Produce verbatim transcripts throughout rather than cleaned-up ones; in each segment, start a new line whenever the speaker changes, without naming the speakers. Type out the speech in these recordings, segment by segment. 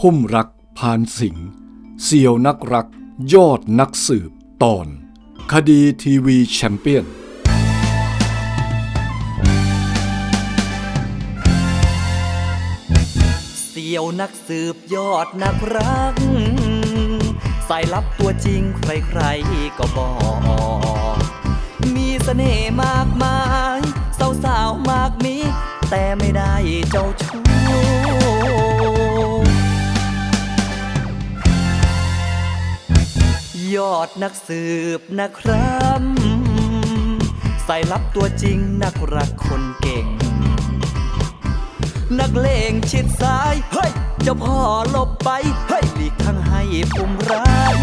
พุ่มรักพานสิงห์เสี่ยวนักรักยอดนักสืบตอนคดีทีวีแชมเปี้ยน
เสี่ยวนักสืบยอดนักรักสายลับตัวจริงใครๆก็บอกมีเสน่ห์มากมายสาวๆมากมีแต่ไม่ได้เจ้าชู้ยอดนักสืบนะครับสายลับตัวจริงนักรักคนเก่งนักเลงชิดซ้ายเฮ้ยเจ้าพ่อหลบไปเฮ้ยหลีกทางให้พุ่มรัก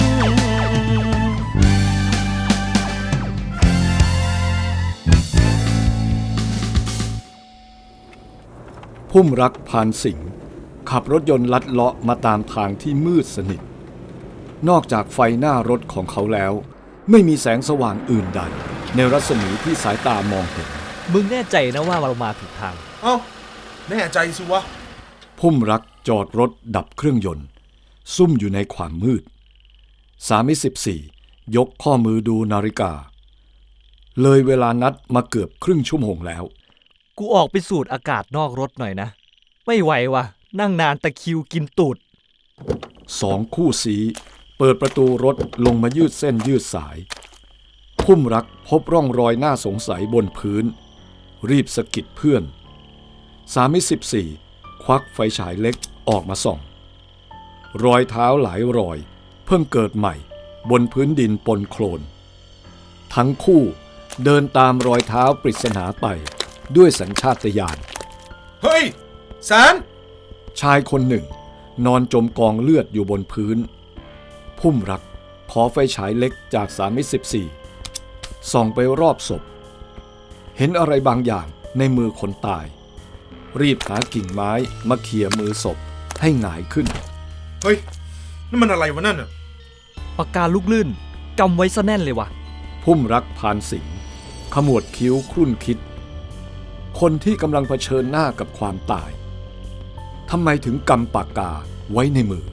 พุ่มรักพานสิงห์ขับรถยนต์ลัดเลาะมาตามทางที่มืดสนิทนอกจากไฟหน้ารถของเขาแล้วไม่มีแสงสว่างอื่นใดในรัศมีที่สายตามองเห็น
มึงแน่ใจนะว่าเรามาถูกทาง
เอ้าแน่ใจสิวะ
พุ่มรักจอดรถดับเครื่องยนต์ซุ่มอยู่ในความมืดสามิสิบสี่ยกข้อมือดูนาฬิกาเลยเวลานัดมาเกือบครึ่งชั่วโมงแล้ว
กูออกไปสูดอากาศนอกรถหน่อยนะไม่ไหววะนั่งนานตะคริวกินตูด
สองคู่สีเปิดประตูรถลงมายืดเส้นยืดสายพุ่มรักพบร่องรอยน่าสงสัยบนพื้นรีบสะกิดเพื่อนสามิสิบสี่ควักไฟฉายเล็กออกมาส่องรอยเท้าหลายรอยเพิ่งเกิดใหม่บนพื้นดินปนโคลนทั้งคู่เดินตามรอยเท้าปริศนาไปด้วยสัญชาตญาณ
เฮ้ยแสน
ชายคนหนึ่งนอนจมกองเลือดอยู่บนพื้นพุ่มรักขอไฟฉายเล็กจากสามิสิบสี่ส่องไปรอบศพเห็นอะไรบางอย่างในมือคนตายรีบหากิ่งไม้มาเขี่ยมือศพให้หงายขึ้น
เฮ้ยนั่นมันอะไรวะนั่นน่ะ
ปากกาลูกลื่นกำไว้ซะแน่นเลยวะ
พุ่มรักพานสิงห์ขมวดคิ้วครุ่นคิดคนที่กำลังเผชิญหน้ากับความตายทำไมถึงกำปากกาไว้ในมือ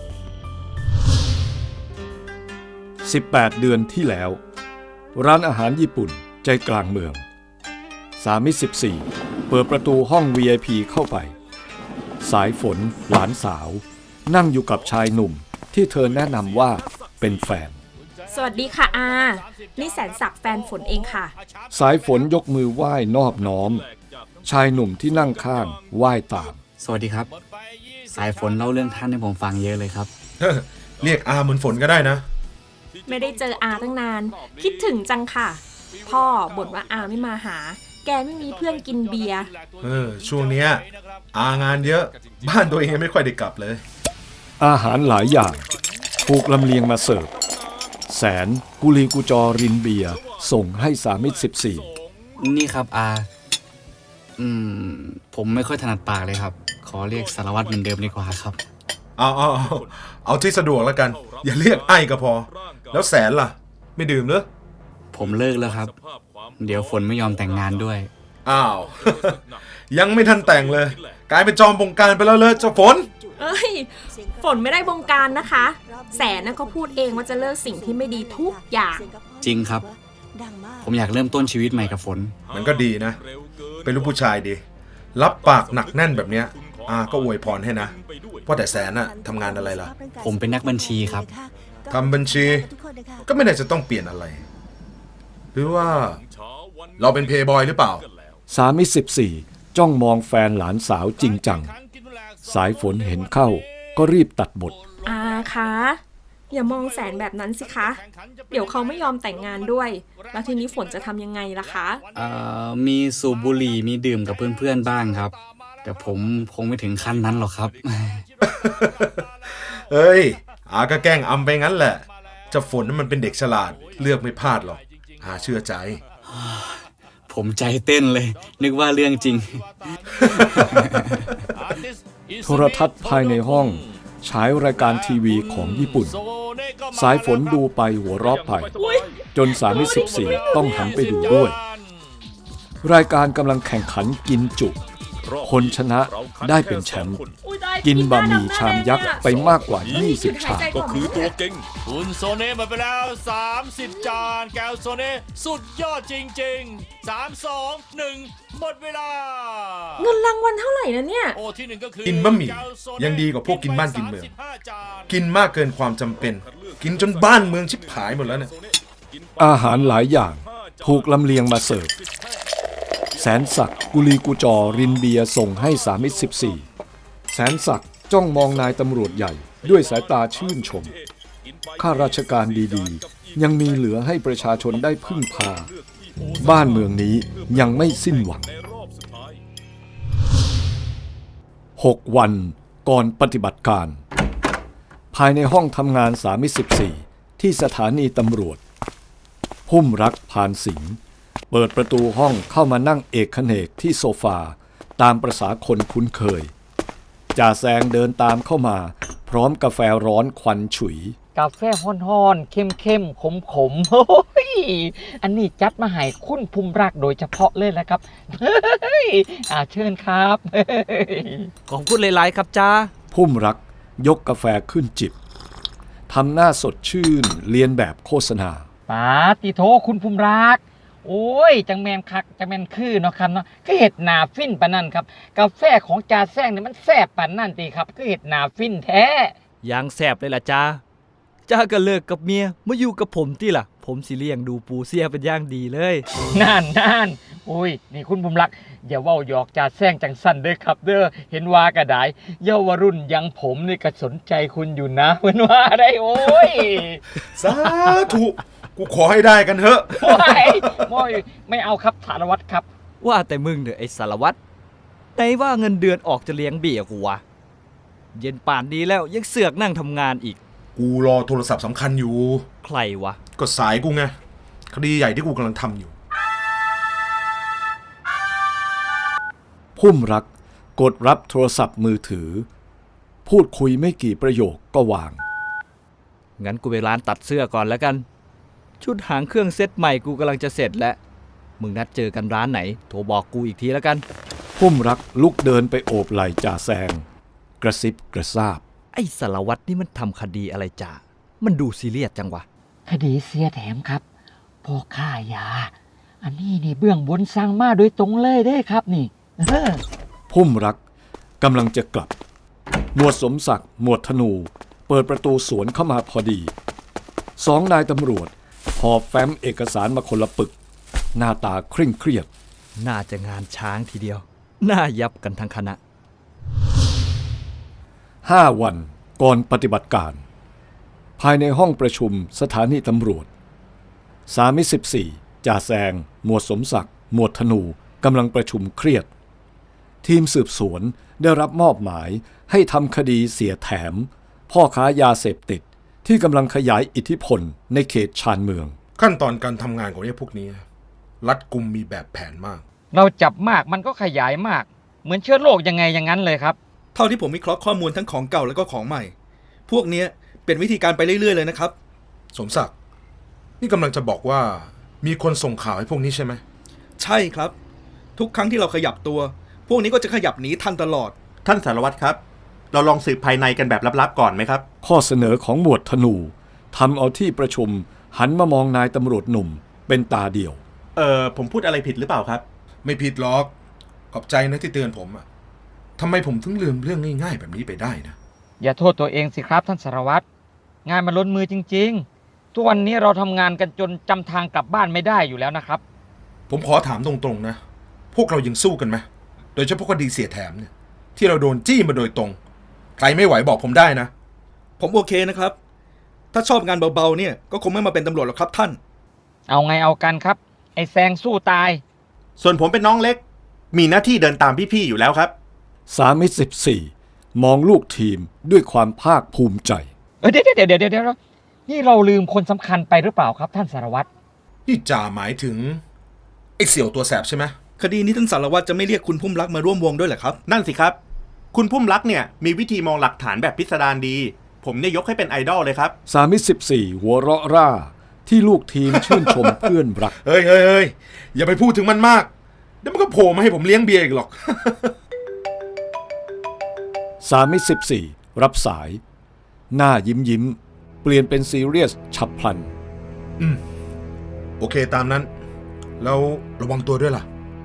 สิบแปดเดือนที่แล้วร้านอาหารญี่ปุ่นใจกลางเมืองสามิสิบสี่เปิดประตูห้อง วี ไอ พี เข้าไปสายฝนหลานสาวนั่งอยู่กับชายหนุ่มที่เธอแนะนำว่าเป็นแฟน
สวัสดีค่ะอานี่แสนศักดิ์แฟนฝนเองค่ะ
สายฝนยกมือไหว้นอบน้อมชายหนุ่มที่นั่งข้างไหว้ตาม
สวัสดีครับสายฝนเล่าเรื่องท่านให้ผมฟังเยอะเลยครับ
เรียกอาเหมือนฝนก็ได้นะ
ไม่ได้เจออาตั้งนานคิดถึงจังค่ะพ่อบ่นว่าอาไม่มาหาแกไม่มีเพื่อนกินเบียร์
เออช่วงเนี้ยอางานเยอะบ้านตัวเองไม่ค่อยได้กลับเลย
อาหารหลายอย่างถูกลำเลียงมาเสิร์ฟแสนกุลีกุจอรินเบียร์ส่งให้สามิสิบสี่
นี่ครับอาอืมผมไม่ค่อยถนัดปากเลยครับขอเรียกสารวัตรเหมือนเดิมดีกว่าครับ
เอาเอาเอาเอาที่สะดวกแล้วกันอย่าเรียกไอ้ก็พอแล้วแสนล่ะไม่ดื่มเหรอ
ผมเลิกแล้วครับเดี๋ยวฝนไม่ยอมแต่งงานด้วย
อ้าว ยังไม่ทันแต่งเลยกลายเป็นจอมบงการไปแล้วเลยเจ้าฝน
เอ้ยฝนไม่ได้บงการนะคะแสนน่ะก็พูดเองว่าจะเลิกสิ่งที่ไม่ดีทุกอย่าง
จริงครับผมอยากเริ่มต้นชีวิตใหม่กับฝน
มันก็ดีนะเป็นลูกผู้ชายดีรับปากหนักแน่นแบบเนี้ยอาก็อวยพรให้นะเพราะแต่แสนน่ะทำงานอะไรล่ะ
ผมเป็นนักบัญชีครับ
ทำบัญชีก็ไม่ได้จะต้องเปลี่ยนอะไรหรือว่าเราเป็นเพย์บอยหรือเปล่า
สามิสิบสี่จ้องมองแฟนหลานสาวจริงจังสายฝนเห็นเข้าก็รีบตัดบท
อาคะอย่ามองแสนแบบนั้นสิคะเดี๋ยวเขาไม่ยอมแต่งงานด้วยแล้วทีนี้ฝนจะทำยังไงล่ะคะ
เอ่อมีสูบบุหรี่มีดื่มกับเพื่อนๆบ้างครับแต่ผมคงไม่ถึงขั้นนั้นหรอกครับ
เฮ้ยอาก็แกล้งอำไปงั้นแหละเจ้าฝนนั้นมันเป็นเด็กฉลาดเลือกไม่พลาดหรอกอาเชื่อใจ
ผมใจเต้นเลยนึกว่าเรื่องจริง
โทรทัศน์ภายในห้องฉายรายการทีวีของญี่ปุ่นสายฝนดูไปหัวเราะไปจนสามิสิบสี่ต้องหันไปดูด้วยรายการกำลังแข่งขันกินจุคนชนะได้เป็นแชมป์กินบะหมี่ชามยักษ์ไปมากกว่า ยี่สิบ ชาม
ก็คือตัวเก่ง
คุณโซเน่หมดไปแล้ว สามสิบ จาน แก้วโซเน่สุดยอดจริงๆ สาม สอง หนึ่ง หมดเวลา
เงินรางวัลเท่าไหร่นะเนี่ย
โอ้ที่หนึ่งก็คือ
กินบะหมี่
แก้วโซเน่
ยังดีกว่าพวกกินบ้านกินเมือง
สสิบห้าจาน
กินมากเกินความจำเป็น กินจนบ้านเมืองชิบหายหมดแล้วเนี่ย
อาหารหลายอย่างถูกลำเลียงมาเสิร์ฟแสนศักดิ์กุลีกุจอรินเบียร์ส่งให้สามิตรสิบสี่แสนศักดิ์จ้องมองนายตำรวจใหญ่ด้วยสายตาชื่นชมข้าราชการดีๆยังมีเหลือให้ประชาชนได้พึ่งพาบ้านเมืองนี้ยังไม่สิ้นหวังหกวันก่อนปฏิบัติการภายในห้องทำงานสามิตรสิบสี่ที่สถานีตำรวจพุ่มรักพานสิงห์เปิดประตูห้องเข้ามานั่งเอกเขนกที่โซฟาตามประษาคนคุ้นเคยจ่าแซงเดินตามเข้ามาพร้อมกาแฟร้อนควันฉุย
กาแฟฮ้อนๆเข้มๆขมๆโอ้ยอันนี้จัดมาให้คุณภูมิรักโดยเฉพาะเลยแหละครับเฮ้ยอ่าเชิญครับเฮ้ย
ขอบคุณหลายๆครับจ้า
พุ่มรักยกกาแฟขึ้นจิบทำหน้าสดชื่นเลียนแบบโฆษณา
ปาติโทคุณภูมิรักโอ้ยจังแมนคักจังแมนคือเนาะครับเนาะคือเห็ดหนาฟินปานนั่นครับกาแฟของจ่าแซงเนี่ยมันแซ่บปานนั่นตีครับคือเห็ดหนาฟินแท้
ยังแสบเลยล่ะจ้าจ้าก็เลิกกับเมียมาอยู่กับผมที่ล่ะ ผมสิเลี้ยงดูปูเสียเป็นอย่างดีเลย
นั่นนั่นโอ้ยนี่คุณภูมิรักอย่าเว้าหยอกจ่าแซงจังสั้นเด้อครับเด้อเห็นว่าก็ได้เยาวรุ่นอยังผมนี่ก็สนใจคุณอยู่นะเพิ่นว่าได้โอ้ย
สาธุกูขอให้ได้กันเถอะ
โอ้ยโอ้ยไม่เอาครับสารวัตรครับ
ว่าแต่มึงเถอะไอ้สารวัตรไหนว่าเงินเดือนออกจะเลี้ยงเบี้ยกูวะเย็นป่านดีแล้วยังเสือกนั่งทำงานอีก
กูรอโทรศัพท์สำคัญอยู่
ใครวะ
ก็สายกูไงคดีใหญ่ที่กูกำลังทำอยู่
พุ่มรักกดรับโทรศัพท์มือถือพูดคุยไม่กี่ประโยคก็วาง
งั้นกูไปร้านตัดเสื้อก่อนแล้วกัน ชุดหางเครื่องเซ็ตใหม่กูกำลังจะเสร็จแล้วมึงนัดเจอกันร้านไหนโทรบอกกูอีกทีแล้วกัน
พุ่มรักลุกเดินไปโอบไหล่จ่าแซงกระซิบกระซาบ
ไอ้สารวัตรนี่มันทำคดีอะไรจ่ามันดูซีเรียสจังวะ
คดีเสียแถมครับพ่อค้ายา อันนี้นี่เบื้องบนสั่งมาโดยตรงเลยเด้ครับนี่เออ
พุ่มรักกำลังจะกลับหมวดสมศักดิ์หมวดธนูเปิดประตูสวนเข้ามาพอดีสองนายตำรวจหอบแฟ้มเอกสารมาคนละปึกหน้าตาเคร่งเครียด
น่าจะงานช้างทีเดียว น่ายับกันทั้งคณะ
ห้าวันก่อนปฏิบัติการ ภายในห้องประชุมสถานีตำรวจสามิตรสิบสี่จ่าแซงหมวดสมศักดิ์หมวดธนูกำลังประชุมเครียด ทีมสืบสวนได้รับมอบหมายให้ทำคดีเสียแถม พ่อค้ายาเสพติดที่กำลังขยายอิทธิพลในเขตชานเมือง
ขั้นตอนการทำงานของไอ้พวกนี้รัดกุมมีแบบแผนมาก
เราจับมากมันก็ขยายมาก เหมือนเชื้อโรคยังไงอย่างนั้นเลยครับ
เท่าที่ผมวิเคราะห์ข้อมูลทั้งของเก่าแล้วก็ของใหม่ พวกเนี้ยเป็นวิธีการไปเรื่อยๆเลยนะครับ
สมศักดิ์นี่กำลังจะบอกว่ามีคนส่งข่าวให้พวกนี้ใช่ไหม
ใช่ครับ ทุกครั้งที่เราขยับตัว พวกนี้ก็จะขยับหนีทันตลอด
ท่านสารวัตรครับ เราลองสืบภายในกันแบบลับๆก่อนไหมครับ
ข้อเสนอของหมวดธนูทำเอาที่ประชุมหันมามองนายตำรวจหนุ่มเป็นตาเดียว
เออผมพูดอะไรผิดหรือเปล่าครับ
ไม่ผิดหรอกขอบใจนะที่เตือนผมอะทำไมผมถึงลืมเรื่องง่ายๆแบบนี้ไปได้นะ
อย่าโทษตัวเองสิครับท่านสารวัตรงานมันล้นมือจริงๆ ทุกวันนี้เราทำงานกันจนจำทางกลับบ้านไม่ได้อยู่แล้วนะครับ
ผมขอถามตรงๆนะพวกเรายังสู้กันไหมโดยเฉพาะคดีเสียแถมเนี่ยที่เราโดนจี้มาโดยตรงใครไม่ไหวบอกผมได้นะ
ผมโอเคนะครับ ถ้าชอบงานเบาๆเนี่ยก็คงไม่มาเป็นตำรวจหรอกครับท่าน
เอาไงเอากันครับ ไอ้แซงสู้ตาย
ส่วนผมเป็นน้องเล็ก มีหน้าที่เดินตามพี่ๆอยู่แล้วครับ
สามิตรสิบสี่มองลูกทีมด้วยความภาคภูมิใจ
เออเดี๋ยวเดี๋ยวเดี๋ยวเดี๋ยวนี่เราลืมคนสำคัญไปหรือเปล่าครับท่านสารวัตร
นี่จ่าหมายถึงไอ้เสี่ยวตัวแสบใช่ไหม
คดีนี้ท่านสารวัตรจะไม่เรียกคุณพุ่มรักมาร่วมวงด้วยเหรอครับ
นั่นสิครับ คุณพุ่มรักเนี่ยมีวิธีมองหลักฐานแบบพิสดารดี ผมเนี่ยยกให้เป็นไอดอลเลยครับ
สามิตรสิบสี่หัวเราะร่าที่ลูกทีมชื่นชมเพื่อนรัก
เฮ้ยเฮ้ยเฮ้ยอย่าไปพูดถึงมันมากเดี๋ยวมันก็โผล่มาให้ผมเลี้ยงเบียร์อีกหรอก
สามิตรสิบสี่รับสาย หน้ายิ้มยิ้มเปลี่ยนเป็นซีเรียสฉับพลัน
อืม โอเคตามนั้น แล้วระวังตัวด้วยล่ะ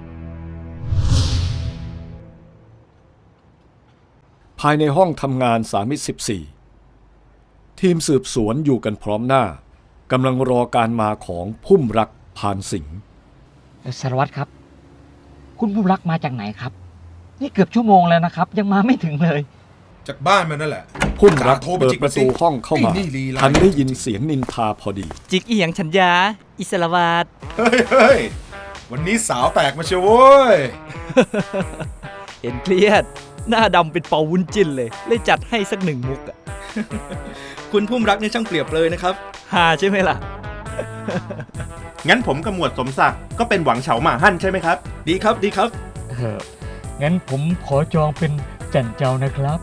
ภายในห้องทำงานสามิตรสิบสี่ทีมสืบสวนอยู่กันพร้อมหน้ากำลังรอการมาของพุ่มรักพานสิงห์
สารวัตรครับ คุณผู้รักมาจากไหนครับ นี่เกือบชั่วโมงแล้วนะครับ ยังมาไม่ถึงเลย
จากบ้านมันนั่นแหละ
พุ่มรัก
โทรไป
เปิด
จิก
ประตูห้องเข้ามา
ไอ้นี่ลีลา
ทันได้ยินเสียงนินทาพอดี
จิกอีหยังฉันยา อิสระวาด
เฮ้ยเฮ้ยวันนี้สาวแตกมาเชียวโว้ย
เห็นเครียด หน้าดำเป็นเป่าวุ้นจิ้นเลย เลยจัดให้สักหนึ่งมุกอะ
คุณพุ่มรักเนี่ยช่างเปรียบเลยนะครับ
ฮาใช่ไหมล่ะ
งั้นผมกับหมวดสมศักดิ์ก็เป็นหวังเฉาหมาหั่นใช่ไหมครับ
ดีครับดีครับ
เอองั้นผมขอจองเป็นจันเจ้านะครับ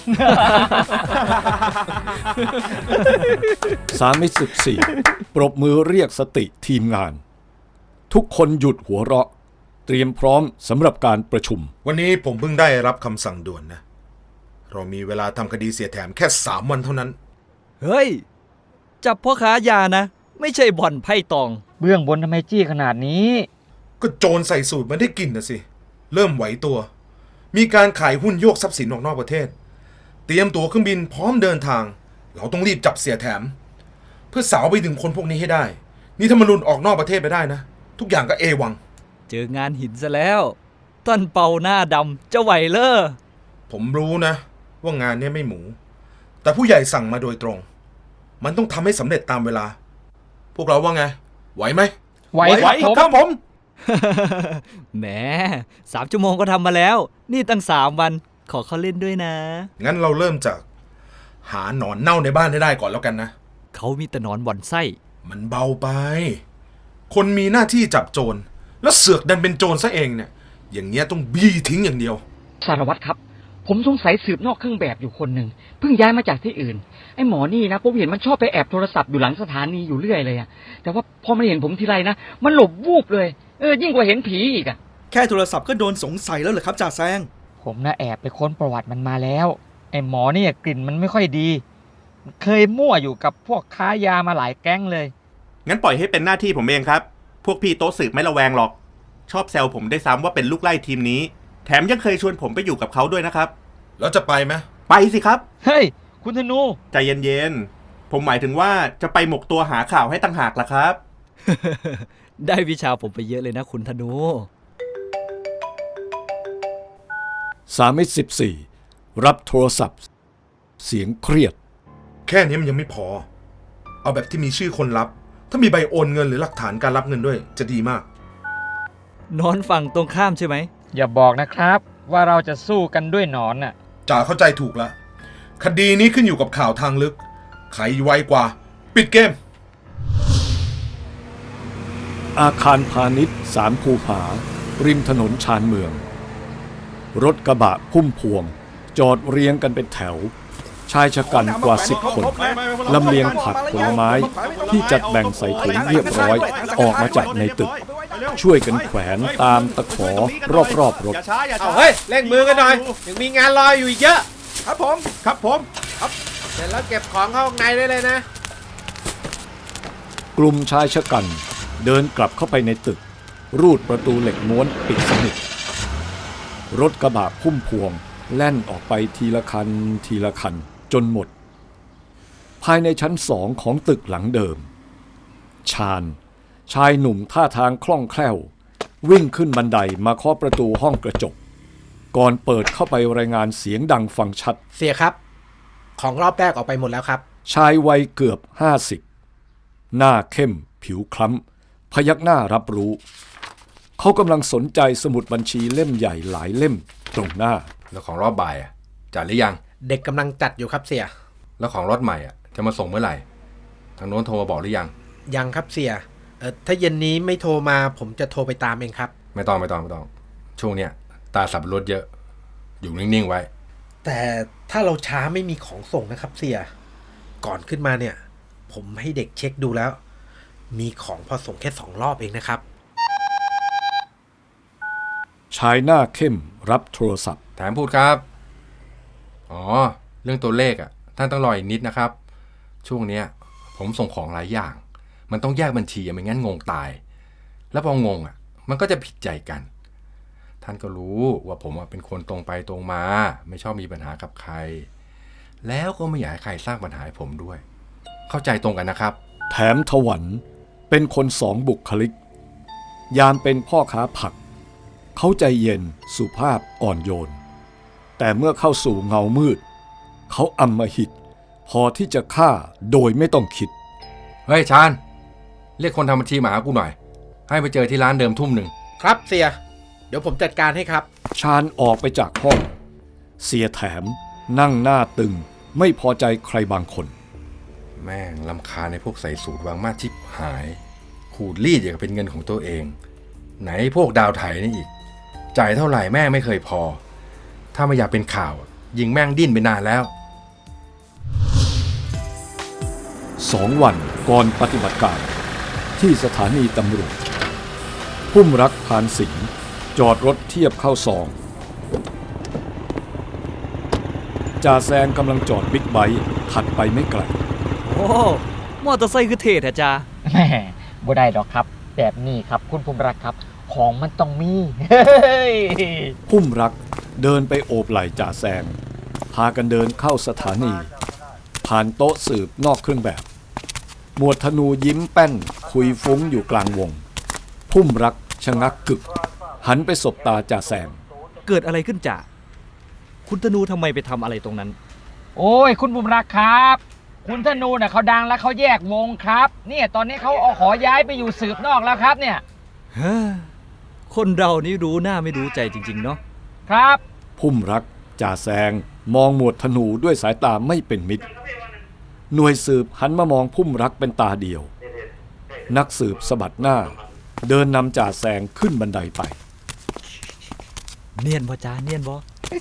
สามิตรสิบสี่ปรบมือเรียกสติทีมงาน ทุกคนหยุดหัวเราะ เตรียมพร้อมสำหรับการประชุม
วันนี้ผมเพิ่งได้รับคำสั่งด่วนนะ เรามีเวลาทำคดีเสียแถมแค่สามวันเท่านั้น
เฮ้ย จับพ่อค้ายานะ ไม่ใช่บ่อนไพ่ตอง
เบื้องบนทำไมจี้ขนาดนี้
ก็โจรใส่สูตรมันได้กลิ่นนะสิ เริ่มไหวตัว มีการขายหุ้นโยกทรัพย์สินออกนอกประเทศ เตรียมตั๋วเครื่องบินพร้อมเดินทาง เราต้องรีบจับเสียแถม เพื่อสาวไปถึงคนพวกนี้ให้ได้ นี่ถ้ามันหลุดออกนอกประเทศไปได้นะ ทุกอย่างก็เอวัง
เจองานหินซะแล้ว ต้นเป่าหน้าดำจะไหวเลอ
ผมรู้นะ ว่างานเนี้ยไม่หมู แต่ผู้ใหญ่สั่งมาโดยตรง มันต้องทำให้สำเร็จตามเวลา พวกเราว่าไง ไหวไหม
ไหว
ไหวครับผม
แหมสามชั่วโมงก็ทำมาแล้ว นี่ตั้งสามวัน ขอเขาเล่นด้วยนะ
งั้นเราเริ่มจากหาหนอนเน่าในบ้านให้ได้ก่อนแล้วกันนะ
เขามีแต่หนอนบ่อนไส้
มันเบาไป คนมีหน้าที่จับโจร แล้วเสือกดันเป็นโจรซะเองเนี่ย อย่างเงี้ยต้องบี้ทิ้งอย่างเดียว
สารวัตรครับ ผมสงสัยสืบนอกเครื่องแบบอยู่คนหนึ่งเพิ่งย้ายมาจากที่อื่น ไอ้หมอนี่นะผมเห็นมันชอบไปแอบโทรศัพท์อยู่หลังสถานีอยู่เรื่อยเลยอะแต่ว่าพอมันเห็นผมทีไรนะมันหลบวูบเลยเออยิ่งกว่าเห็นผีอีกอะ
แค่โทรศัพท์ก็โดนสงสัยแล้วเหรอครับจ่าแซง
ผมน่ะแอบไปค้นประวัติมันมาแล้วไอ้หมอนี่กลิ่นมันไม่ค่อยดี เคยมั่วอยู่กับพวกค้ายามาหลายแก๊งเลย
งั้นปล่อยให้เป็นหน้าที่ผมเองครับ พวกพี่โต๊ะสืบไม่ระแวงหรอก ชอบแซวผมได้ซ้ำว่าเป็นลูกไล่ทีมนี้ แถมยังเคยชวนผมไปอยู่กับเขาด้วยนะครับ
แล้วจะไปไหม
ไปสิครับ
เฮ้ยคุณธนู
ใจเย็นๆ ผมหมายถึงว่าจะไปหมกตัวหาข่าวให้ตั้งหากล่ะครับ
ได้วิชาผมไปเยอะเลยนะคุณธนู
สามิตรสิบสี่รับโทรศัพท์ เสียงเครียด
แค่นี้มันยังไม่พอ เอาแบบที่มีชื่อคนรับ ถ้ามีใบโอนเงินหรือหลักฐานการรับเงินด้วยจะดีมาก
นอนฝั่งตรงข้ามใช่ไหม
อย่าบอกนะครับว่าเราจะสู้กันด้วยหนอนน่ะ
จ่าเข้าใจถูกแล้ว คดีนี้ขึ้นอยู่กับข่าวทางลึก ใครไวกว่า ปิดเกม
อาคารพาณิชย์สามภูผา ริมถนนชานเมือง รถกระบะพุ่มพวง จอดเรียงกันเป็นแถว ชายชะกันกว่าสิบคนลำเลียงผักผลไม้ที่จัดแบ่งใส่ถุงเรียบร้อย ออกมาจากในตึก ช่วยกันแขวนตามตะขอรอบๆรถ
เอาเฮ้ยเร่งมือกันหน่อยยังมีงานรออยู่อีกเยอะ
ครับผมครับผม
เสร็จแล้วเก็บของเข้าข้างในได้เลยนะ
กลุ่มชายชะกันเดินกลับเข้าไปในตึก รูดประตูเหล็กม้วนปิดสนิทรถกระบะพุ่มพวงแล่นออกไปทีละคันทีละคันจนหมด ภายในชั้นสองของตึกหลังเดิม ชาญชายหนุ่มท่าทางคล่องแคล่ว วิ่งขึ้นบันไดมาเคาะประตูห้องกระจก ก่อนเปิดเข้าไปรายงานเสียงดังฟังชัด
เสียครับ ของรอบแรกออกไปหมดแล้วครับ
ชายวัยเกือบห้าสิบหน้าเข้มผิวคล้ำพยักหน้ารับรู้ เขากำลังสนใจสมุดบัญชีเล่มใหญ่หลายเล่มตรงหน้า
แล้วของรอบบ่ายอ่ะจัดหรือยัง
เด็กกำลังจัดอยู่ครับเสีย
แล้วของรถใหม่อ่ะจะมาส่งเมื่อไหร่ทางโน้นโทรมาบอกหรือยัง
ยังครับเสียเออถ้าเย็นนี้ไม่โทรมาผมจะโทรไปตามเองครับ
ไม่ต้องไม่ต้องไม่ต้อง ช่วงเนี้ยตาสับรถเยอะ อยู่นิ่งๆไว้
แต่ถ้าเราช้าไม่มีของส่งนะครับเสีย ก่อนขึ้นมาเนี่ย ผมให้เด็กเช็คดูแล้ว มีของพอส่งแค่สองรอบเองนะครับ
ชายหน้าเข้มรับโทรศัพท์
แถมพูดครับอ๋อ เรื่องตัวเลขอ่ะท่านต้องรออีกนิดนะครับ ช่วงเนี้ยผมส่งของหลายอย่าง มันต้องแยกบัญชีไม่งั้นงงตาย แล้วพองงอ่ะมันก็จะผิดใจกัน ท่านก็รู้ว่าผมเป็นคนตรงไปตรงมา ไม่ชอบมีปัญหากับใคร แล้วก็ไม่อยากให้ใครสร้างปัญหาให้ผมด้วย เข้าใจตรงกันนะครับ
แถมถวันเป็นคนสองบุคลิก ยามเป็นพ่อค้าผัก เขาใจเย็นสุภาพอ่อนโยน แต่เมื่อเข้าสู่เงามืด เขาอำมหิต พอที่จะฆ่าโดยไม่ต้องคิด
เฮ้ยชาญเรียกคนทำบัญชีมาหากูหน่อย ให้ไปเจอที่ร้านเดิมทุ่มหนึ่ง
ครับเสีย เดี๋ยวผมจัดการให้ครับ
ชาญออกไปจากห้อง เสียแถมนั่งหน้าตึงไม่พอใจใครบางคน
แม่งลำคาญในพวกใส่สูตรวางมาชิบหาย ขูดรีดอย่างกับเป็นเงินของตัวเอง ไหนพวกดาวไถนี่อีก จ่ายเท่าไหร่แม่งไม่เคยพอ ถ้าไม่อยากเป็นข่าวยิงแม่งดิ้นไปนานแล้ว
สองวันก่อนปฏิบัติการที่สถานีตำรวจพุ่มรักพานสิงห์จอดรถเทียบเข้าซองจ่าแซงกำลังจอดบิ๊กไบค์ถัดไปไม่ไกล
โอ้มอเตอร์ไซค์คือเท่แท้จ้า
แหมบ่ได้ดอกครับ แบบนี้ครับคุณภูมิรักครับ ของมันต้องมี
พุ่มรักเดินไปโอบไหล่จ่าแซงพากันเดินเข้าสถานี ผ่านโต๊ะสืบนอกเครื่องแบบ หมวดธนูยิ้มแป้นคุยฟุ้งอยู่กลางวง พุ่มรักชะงักกึก หันไปสบตาจ่าแซง
เกิดอะไรขึ้นจ่าคุณธนูทำไมไปทำอะไรตรงนั้น
โอ้ยคุณภูมิรักครับ คุณธนูน่ะเขาดังแล้วเขาแยกวงครับเนี่ยตอนนี้เขาเอาขอย้ายไปอยู่สืบนอกแล้วครับเนี่ย
เฮ้อคนเรานี่รู้หน้าไม่รู้ใจจริงๆเนาะ
ครับ
พุ่มรักจ่าแซงมองหมวดธนูด้วยสายตาไม่เป็นมิตร หน่วยสืบหันมามองพุ่มรักเป็นตาเดียว นักสืบสะบัดหน้า เดินนำจ่าแซงขึ้นบันไดไป
เนียนบ่จ้าเนียนบ่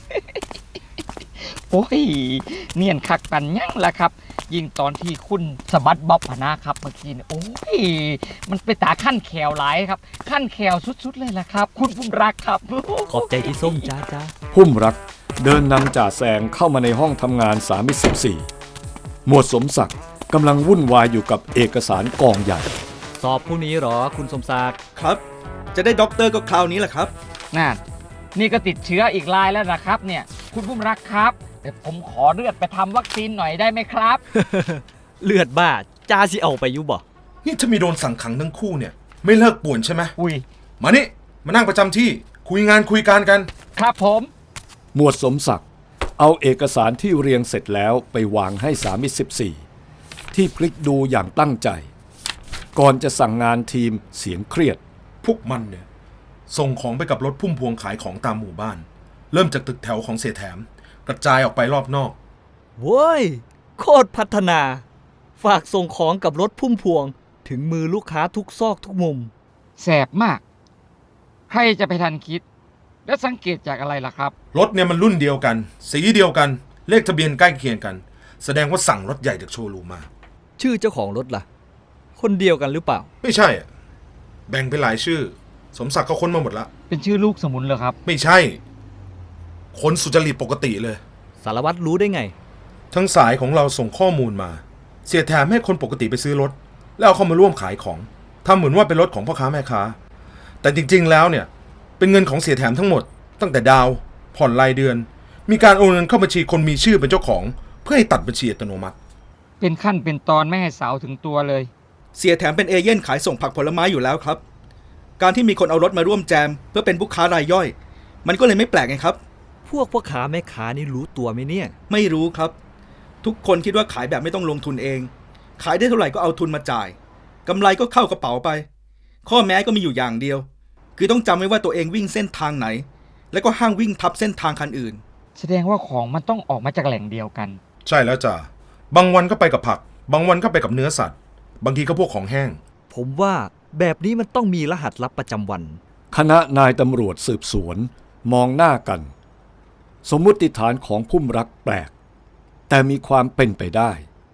โอ้ยเนียนคักปันยั่งละครับ ยิ่งตอนที่คุณสะบัดบ๊อบพนะครับเมื่อกี้เนี่ยโอ้ยมันไปตาขั้นแขวหลายครับ ขั้นแขวสุดๆเลยล่ะครับ คุณภูมิรักครับ
ขอบใจที่ส้มจ้าจ้า
พุ่มรักเดินนำจ่าแซงเข้ามาในห้องทำงานสามสิบสี่หมวดสมศักดิ์กำลังวุ่นวายอยู่กับเอกสารกองใหญ่
สอบพรุ่งนี้หรอคุณสมศักดิ์
ครับ จะได้ด็อกเตอร์ก็คราวนี้แหละครับ
นั่นนี่ก็ติดเชื้ออีกรายแล้วนะครับเนี่ยคุณภูมิรักครับแต่ผมขอเลือดไปทำวัคซีนหน่อยได้ไหมครับ
เลือดบ้าจ้าสิเอาไปอยู่บ่
นี่ถ้ามีโดนสั่งขังทั้งคู่เนี่ย ไม่เลิกป่วนใช่ไหม
อุ้ย
มานี่มานั่งประจำที่คุยงานคุยการกัน
ครับผม
หมวดสมศักดิ์เอาเอกสารที่เรียงเสร็จแล้วไปวางให้สามิตรสิบสี่ที่พลิกดูอย่างตั้งใจ ก่อนจะสั่งงานทีมเสียงเครียด
พวกมันเนี่ยส่งของไปกับรถพุ่มพวงขายของตามหมู่บ้าน เริ่มจากตึกแถวของเสียแถมกระจายออกไปรอบนอก
โว้ยโคตรพัฒนา ฝากส่งของกับรถพุ่มพวงถึงมือลูกค้าทุกซอกทุกมุม
แสบมาก ใครจะไปทันคิด แล้วสังเกตจากอะไรล่ะครับ
รถเนี่ยมันรุ่นเดียวกัน สีเดียวกัน เลขทะเบียนใกล้เคียงกัน แสดงว่าสั่งรถใหญ่จากโชว์รูมมา
ชื่อเจ้าของรถล่ะ คนเดียวกันหรือเปล่า
ไม่ใช่อะแบ่งเป็นหลายชื่อ สมศักดิ์ก็ค้นมาหมดละ
เป็นชื่อลูกสมุนเหรอครับ
ไม่ใช่ คนสุจริตปกติเลย
สารวัตรรู้ได้ไง
ทั้งสายของเราส่งข้อมูลมา เสียแถมให้คนปกติไปซื้อรถ แล้วเอาเข้ามาร่วมขายของทำเหมือนว่าเป็นรถของพ่อค้าแม่ค้า แต่จริงๆแล้วเนี่ยเป็นเงินของเสียแถมทั้งหมด ตั้งแต่ดาวผ่อนรายเดือน มีการโอนเงินเข้าบัญชีคนมีชื่อเป็นเจ้าของ เพื่อให้ตัดบัญชีอัตโนมัติ
เป็นขั้นเป็นตอนไม่ให้สาวถึงตัวเลย
เสียแถมเป็นเอเย่นขายส่งผักผลไม้อยู่แล้วครับ การที่มีคนเอารถมาร่วมแจม เพื่อเป็นผู้ค้ารายย่อย มันก็เลยไม่แปลกไงครับ
พวกพ่อค้าแม่ค้านี่รู้ตัวไหมเนี่ย
ไม่รู้ครับ ทุกคนคิดว่าขายแบบไม่ต้องลงทุนเอง ขายได้เท่าไหร่ก็เอาทุนมาจ่ายกำไรก็เข้ากระเป๋าไป ข้อแม้ก็มีอยู่อย่างเดียว คือต้องจำไว้ว่าตัวเองวิ่งเส้นทางไหน แล้วก็ห้ามวิ่งทับเส้นทางคันอื่น
แสดงว่าของมันต้องออกมาจากแหล่งเดียวกัน
ใช่แล้วจ้ะบางวันก็ไปกับผัก บางวันก็ไปกับเนื้อสัตว์ บางทีก็พวกของแห้ง
ผมว่าแบบนี้มันต้องมีรหัสลับประจำวัน
คณะนายตำรวจสืบสวนมองหน้ากัน สมมุติฐานของพุ่มรักแปลก แต่มีความเป็นไปได้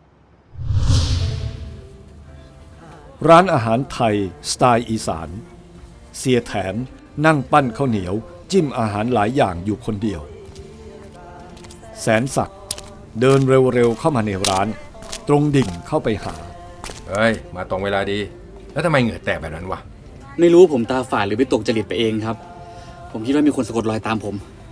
ร้านอาหารไทยสไตล์อีสานเสียแถมนั่งปั้นข้าวเหนียวจิ้มอาหารหลายอย่างอยู่คนเดียวแสนศักดิ์เดินเร็วๆเข้ามาในร้าน ตรงดิ่งเข้าไปหา
เฮ้ย มาตรงเวลาดี แล้วทำไมเหงื่อแตกแบบนั้นวะ
ไม่รู้ผมตาฝาดหรือไปตกจริตไปเองครับ ผมคิดว่ามีคนสะกดรอยตามผม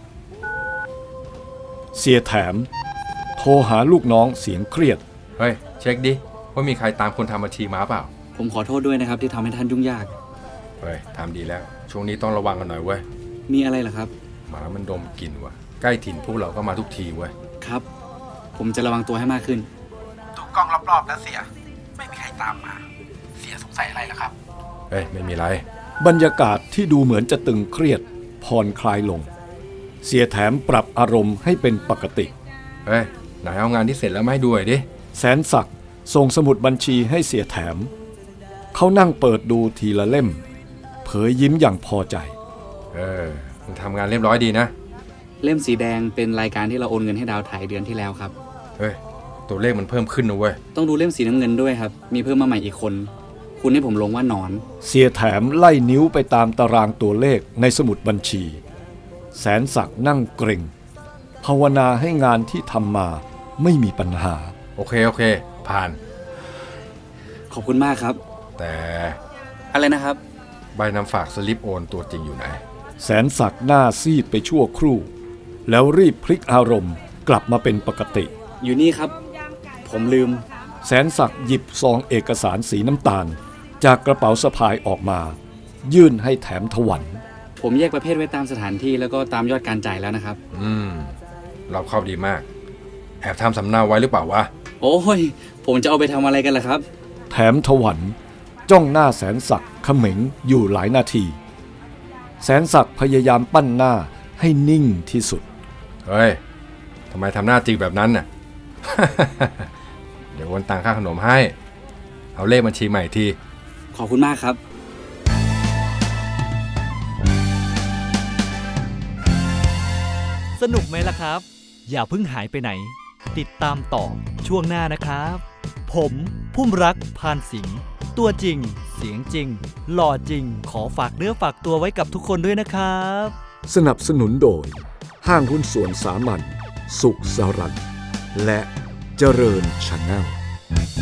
เสียแถมโทรหาลูกน้องเสียงเครียด
เฮ้ย เช็คดิว่ามีใครตามคนทำบัญชีมาเปล่า
ผมขอโทษด้วยนะครับที่ทำให้ท่านยุ่งยาก
เฮ้ยทำดีแล้ว ช่วงนี้ต้องระวังกันหน่อยเว้ย
มีอะไรเหรอครับ
หมามันดมกลิ่นว่ะ ใกล้ถิ่นพวกเราก็มาทุกทีเว้ย
ครับ ผมจะระวังตัวให้มากขึ้น
ดูกล้องรอบๆแล้วเสีย ไม่มีใครตามมา เสียสงสัยอะไรล่ะครับ
เฮ้ย ไม่มีไร
บรรยากาศที่ดูเหมือนจะตึงเครียดผ่อนคลายลง เสียแถมปรับอารมณ์ให้เป็นปกติ
เฮ้ย ไหนเอางานที่เสร็จแล้วมาให้ดูหน่อยดิ
แสนศักดิ์ส่งสมุดบัญชีให้เสียแถม เขานั่งเปิดดูทีละเล่ม เผยยิ้มอย่างพอใจ
เออมึงทำงานเรียบร้อยดีนะ
เล่มสีแดงเป็นรายการที่เราโอนเงินให้ดาวไทยเดือนที่แล้วครับ
เฮ้ย ตัวเลขมันเพิ่มขึ้นนะเว้ย
ต้องดูเล่มสีน้ำเงินด้วยครับ มีเพิ่มมาใหม่อีกคน คุณให้ผมลงว่าหนอน
เสียแถมไล่นิ้วไปตามตารางตัวเลขในสมุดบัญชี แสนศักดิ์นั่งเกรงภาวนาให้งานที่ทำมาไม่มีปัญหา
โอเค โอเค ผ่าน
ขอบคุณมากครับ
แต่
อะไรนะครับ
ใบนำฝากสลิปโอนตัวจริงอยู่ไหน
แสนศักดิ์หน้าซีดไปชั่วครู่ แล้วรีบพลิกอารมณ์กลับมาเป็นปกติ
อยู่นี่ครับ ผมลืม
แสนศักดิ์หยิบซองเอกสารสีน้ำตาล จากกระเป๋าสะพายออกมา ยื่นให้แถมถวัน
ผมแยกประเภทไว้ตามสถานที่แล้วก็ตามยอดการจ่ายแล้วนะครับ
อืม เราเข้าดีมาก แอบทำสำเนาไว้หรือเปล่าวะ
โอ้ย ผมจะเอาไปทำอะไรกันล่ะครับ
แถมถวันจ้องหน้าแสนศักดิ์เขม็งอยู่หลายนาที แสนศักดิ์พยายามปั้นหน้าให้นิ่งที่สุด
เฮ้ย ทำไมทำหน้าจริงแบบนั้นน่ะ เดี๋ยวโอนตังค่าขนมให้ เอาเลขบัญชีใหม่ที
ขอบคุณมากครับ
สนุกไหมล่ะครับ อย่าเพิ่งหายไปไหน ติดตามต่อช่วงหน้านะครับ ผมพุ่มรักพานสิงห์ตัวจริง เสียงจริง หล่อจริง ขอฝากเนื้อฝากตัวไว้กับทุกคนด้วยนะครับ
สนับสนุนโดย ห้างหุ้นส่วนสามัญสุขสรัตน์และเจริญชาแนล